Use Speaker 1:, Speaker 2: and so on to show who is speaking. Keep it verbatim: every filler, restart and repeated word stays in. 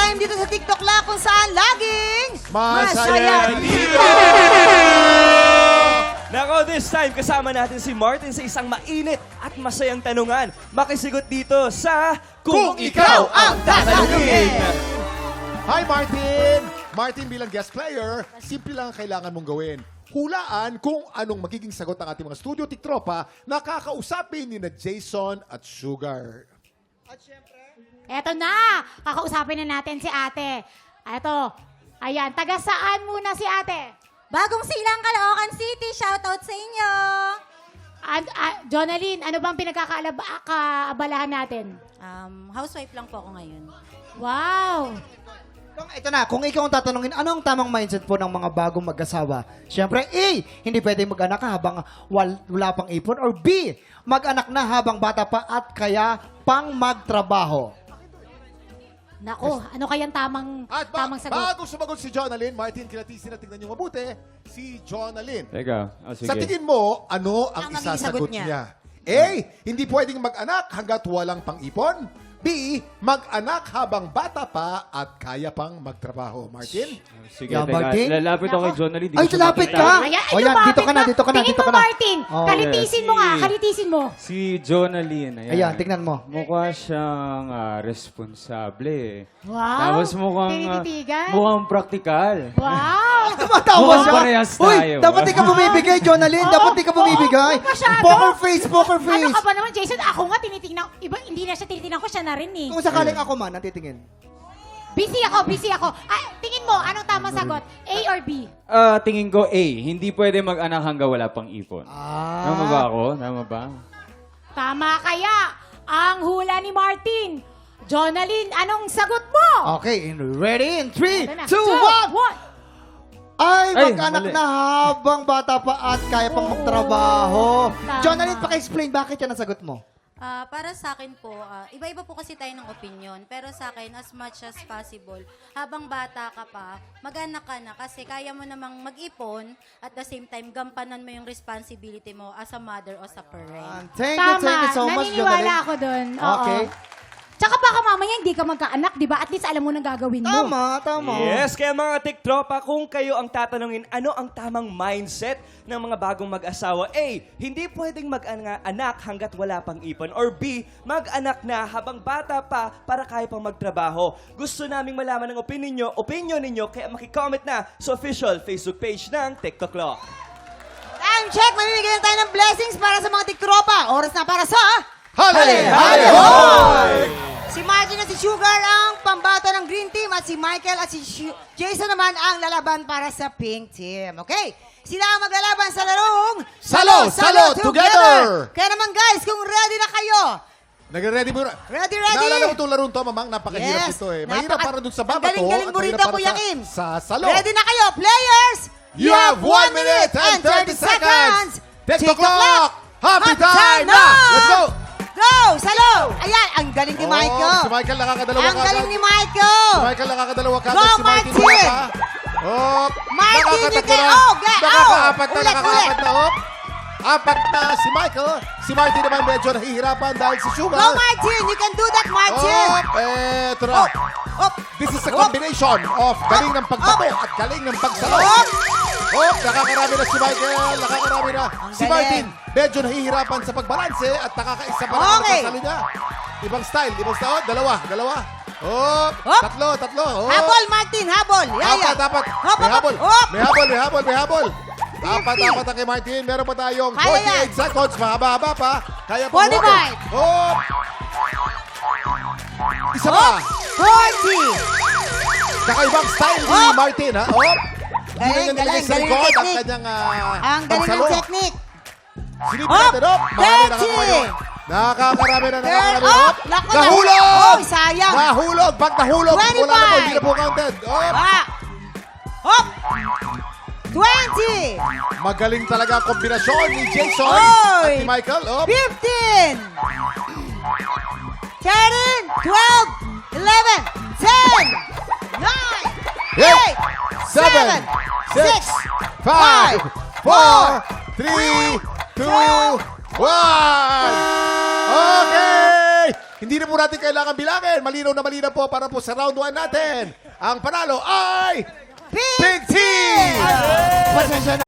Speaker 1: time dito sa TikTok La kung saan laging
Speaker 2: Masaya
Speaker 1: dito!
Speaker 3: Nako, this time kasama natin si Martin sa isang mainit at masayang tanungan. Makisigot dito sa
Speaker 2: Kung Ikaw Ang Tatanungin! Hi, Martin! Martin, bilang guest player, simple lang ang kailangan mong gawin. Hulaan kung anong magiging sagot ng ating mga studio tiktropa na kakausapin ni na Jason at Sugar.
Speaker 4: Eto na! Kakausapin na natin si ate. Eto. Ayan, taga saan muna si ate?
Speaker 5: Bagong Silang, Caloocan City. Shoutout sa inyo.
Speaker 4: And, uh, Jonalyn, ano bang pinagkakaabalahan natin?
Speaker 5: Um, housewife lang po ako ngayon.
Speaker 4: Wow!
Speaker 6: Kung, ito na, kung ikaw ang tatanungin, anong tamang mindset po ng mga bagong mag-asawa? Siyempre, A, hindi pwede mag-anak ka habang wal, wala pang ipon. Or B, mag-anak na habang bata pa at kaya pang magtrabaho.
Speaker 4: Nako, ano kayang tamang,
Speaker 2: At ba-
Speaker 4: tamang sagot?
Speaker 2: bago sumagot si Jonalyn, Martin, kilatisin na tingnan niyo mabuti, si Jonalyn.
Speaker 7: Teka, oh, sige.
Speaker 2: Sa tingin mo, ano ang
Speaker 1: Ang magiging
Speaker 2: isasagot
Speaker 1: sagot niya?
Speaker 2: niya? A, hindi pwedeng mag-anak hanggat walang pang-ipon. B, mag-anak habang bata pa at kaya pang magtrabaho. Martin?
Speaker 7: Sige,
Speaker 6: Yeah,
Speaker 7: teka.
Speaker 6: Martin?
Speaker 7: Lalapit ako kay Jonalyn. di
Speaker 6: Ay,
Speaker 7: ko siya
Speaker 6: lalapit
Speaker 7: makita.
Speaker 6: ka!
Speaker 4: Ayan,
Speaker 6: O yan, dito ka na, dito ka na,
Speaker 4: Tingin
Speaker 6: dito
Speaker 4: mo,
Speaker 6: ka na.
Speaker 4: Martin.
Speaker 6: Oh.
Speaker 4: Kalitisin mo nga,
Speaker 7: Si-
Speaker 4: kalitisin mo.
Speaker 7: Si Jonalyn, ayan.
Speaker 6: Ayan, tingnan mo.
Speaker 7: Mukha siyang ah, responsable.
Speaker 4: Wow!
Speaker 7: Tapos mukhang, ah,
Speaker 4: Tinititigan.
Speaker 7: mukhang praktikal.
Speaker 4: Wow!
Speaker 6: Tumatawa
Speaker 7: Mukhang
Speaker 6: siya.
Speaker 7: parehas
Speaker 6: Uy,
Speaker 7: tayo.
Speaker 6: dapat di ka bumibigay, Jonalyn. Dapat di ka bumibigay.
Speaker 4: Oo, masyado.
Speaker 6: Poker face, poker
Speaker 4: Ano
Speaker 6: face.
Speaker 4: ka ba naman, Jason? Ako nga tinitingnan, iba, hindi na siya tinitingnan ko, siya na rin eh.
Speaker 6: Kung sakaling ako man, natitingin.
Speaker 4: Busy ako, busy ako. Ah, tingin mo, anong tamang sagot? A or B?
Speaker 7: Ah, tingin ko A, hindi pwede mag-anak hanggang wala pang ipon.
Speaker 6: Ah.
Speaker 7: Tama ba ako? Tama ba?
Speaker 4: Tama kaya ang hula ni Martin. Jonalyn, anong sagot mo?
Speaker 6: Okay, in- ready? In three,
Speaker 4: Ito na.
Speaker 6: two, one.
Speaker 4: one.
Speaker 6: Ay,
Speaker 7: Ay,
Speaker 6: mag-anak
Speaker 7: mali.
Speaker 6: na habang bata pa at kaya pang
Speaker 4: Oo.
Speaker 6: magtrabaho.
Speaker 4: Tama.
Speaker 6: Jonalyn, paki-explain bakit yan ang sagot mo.
Speaker 5: Ah, para sa akin po, ah, iba-iba po kasi tayo ng opinion. Pero sa akin, as much as possible, habang bata ka pa, mag-anak ka na kasi kaya mo namang mag-ipon at the same time, gampanan mo yung responsibility mo as a mother o sa parent.
Speaker 6: Thank you,
Speaker 4: Tama,
Speaker 6: thank you so much,
Speaker 4: naniniwala
Speaker 6: Jonalyn.
Speaker 4: ako dun. Oo.
Speaker 6: Okay.
Speaker 4: Tsaka baka mamaya hindi ka magkaanak, di ba? At least alam mo nang gagawin mo.
Speaker 6: Tama, tama.
Speaker 3: Yes, kaya mga tiktropa, kung kayo ang tatanungin, ano ang tamang mindset ng mga bagong mag-asawa? A, hindi pwedeng mag-anak hanggat wala pang ipon. Or B, mag-anak na habang bata pa para kaya pang magtrabaho. Gusto naming malaman ng opinion nyo, opinion ninyo, kaya makicomment na sa official Facebook page ng TikTok Law.
Speaker 1: Time check! Mamimigay na tayo ng blessings para sa mga tiktropa. Oras na para sa...
Speaker 2: Hali!
Speaker 1: Hali!
Speaker 2: Hoy!
Speaker 1: Si Martin at si Sugar ang pambato ng Green Team at si Michael at si Shu- Jason naman ang lalaban para sa Pink Team. Okay? Sila ang maglalaban sa larong
Speaker 2: Salo, Salo, Together!
Speaker 1: Kaya naman guys, kung ready na kayo,
Speaker 2: Nag-ready mo na?
Speaker 1: ready, ready?
Speaker 2: Naalala mo itong larong to, mamang? Napakahirap
Speaker 1: Yes.
Speaker 2: ito eh. Mahirap
Speaker 1: Napaka-
Speaker 2: para dun sa
Speaker 1: Ang
Speaker 2: babato.
Speaker 1: galing-galing
Speaker 2: at
Speaker 1: mo
Speaker 2: mahirap
Speaker 1: rito,
Speaker 2: para
Speaker 1: Kuya
Speaker 2: sa-
Speaker 1: Kim.
Speaker 2: Sa salo.
Speaker 1: Ready na kayo, players?
Speaker 2: You have one minute and thirty seconds. TikTok
Speaker 1: TikTok
Speaker 2: clock. Happy time
Speaker 1: na!
Speaker 2: na! Let's go!
Speaker 1: Go! Salo! Ayan, ang galing ni
Speaker 2: Oh,
Speaker 1: Michael.
Speaker 2: si Michael nakakadalawa
Speaker 1: Ang
Speaker 2: kagad.
Speaker 1: galing ni Michael.
Speaker 2: Si Michael nakakadalawa kagad.
Speaker 1: Go,
Speaker 2: Si Martin
Speaker 1: Martin!
Speaker 2: wala pa. Oh,
Speaker 1: Martin, you
Speaker 2: nakakatatlo
Speaker 1: can-
Speaker 2: na.
Speaker 1: oh, get-
Speaker 2: Nakakaapat
Speaker 1: oh,
Speaker 2: na,
Speaker 1: ulit,
Speaker 2: nakakaapat
Speaker 1: ulit.
Speaker 2: na. Oh. Apat na si Michael. Si Martin naman medyo nahihirapan dahil si Sugar.
Speaker 1: Go, Martin! You can do that, Martin!
Speaker 2: Oh, eto na.
Speaker 1: Up! Up!
Speaker 2: This is a combination of galing ng pagbato at galing ng pagsalo. Oh, nakakarami na si Michael. Nakakarami na. Si
Speaker 1: galing.
Speaker 2: Martin, medyo nahihirapan sa pagbalanse at nakakaisa pa lang
Speaker 1: Okay.
Speaker 2: ang salo niya. Ibang style, ibang style. Oh, dalawa, dalawa. Oh,
Speaker 1: Hop.
Speaker 2: tatlo, tatlo. Oh.
Speaker 1: Habol, Martin! Habol! Yaya!
Speaker 2: Apat, apat.
Speaker 1: Hop,
Speaker 2: May
Speaker 1: hop,
Speaker 2: habol.
Speaker 1: hop.
Speaker 2: May habol, may habol, may habol. Apat,
Speaker 1: fifty.
Speaker 2: apat ang kay Martin. Meron pa tayong
Speaker 1: Kaya yan.
Speaker 2: forty-eight seconds. Mahaba-haba pa. Kaya pa
Speaker 1: forty-five.
Speaker 2: Oh. Isa pa.
Speaker 1: forty!
Speaker 2: Kakaibang style ni
Speaker 1: Hop.
Speaker 2: Martin, ha? Oh. Hindi
Speaker 1: Galing,
Speaker 2: na niya nilagay
Speaker 1: galing,
Speaker 2: sa
Speaker 1: galing
Speaker 2: likod
Speaker 1: ng
Speaker 2: ang
Speaker 1: technique.
Speaker 2: kanyang ah,
Speaker 1: Ang galing
Speaker 2: pagsalo.
Speaker 1: ng technique.
Speaker 2: Silip
Speaker 1: Hop.
Speaker 2: natin, hop. Marami
Speaker 1: thirty.
Speaker 2: nakakaroon. Nakakarami na,
Speaker 1: Turn
Speaker 2: nakakarami.
Speaker 1: up.
Speaker 2: Hop.
Speaker 1: Naku,
Speaker 2: Nahulog!
Speaker 1: Oh, sayang.
Speaker 2: Nahulog! Pag nahulog, wala na po,
Speaker 1: twenty-five.
Speaker 2: hindi na po counted. Hop.
Speaker 1: Ah! Hop! twenty!
Speaker 2: Magaling talaga ang kombinasyon ni Jason
Speaker 1: Oy!
Speaker 2: at ni Michael. Hop.
Speaker 1: fifteen! thirteen! twelve! eleven! ten! nine! eight!
Speaker 2: seven, six, five, four, three, two, one. Okay! Hindi Hindi na po natin kailangan bilangin. Malinaw na malinaw po para po sa round one natin. Ang panalo ay...
Speaker 1: Pink
Speaker 2: Pink Team!
Speaker 6: Pasensya na.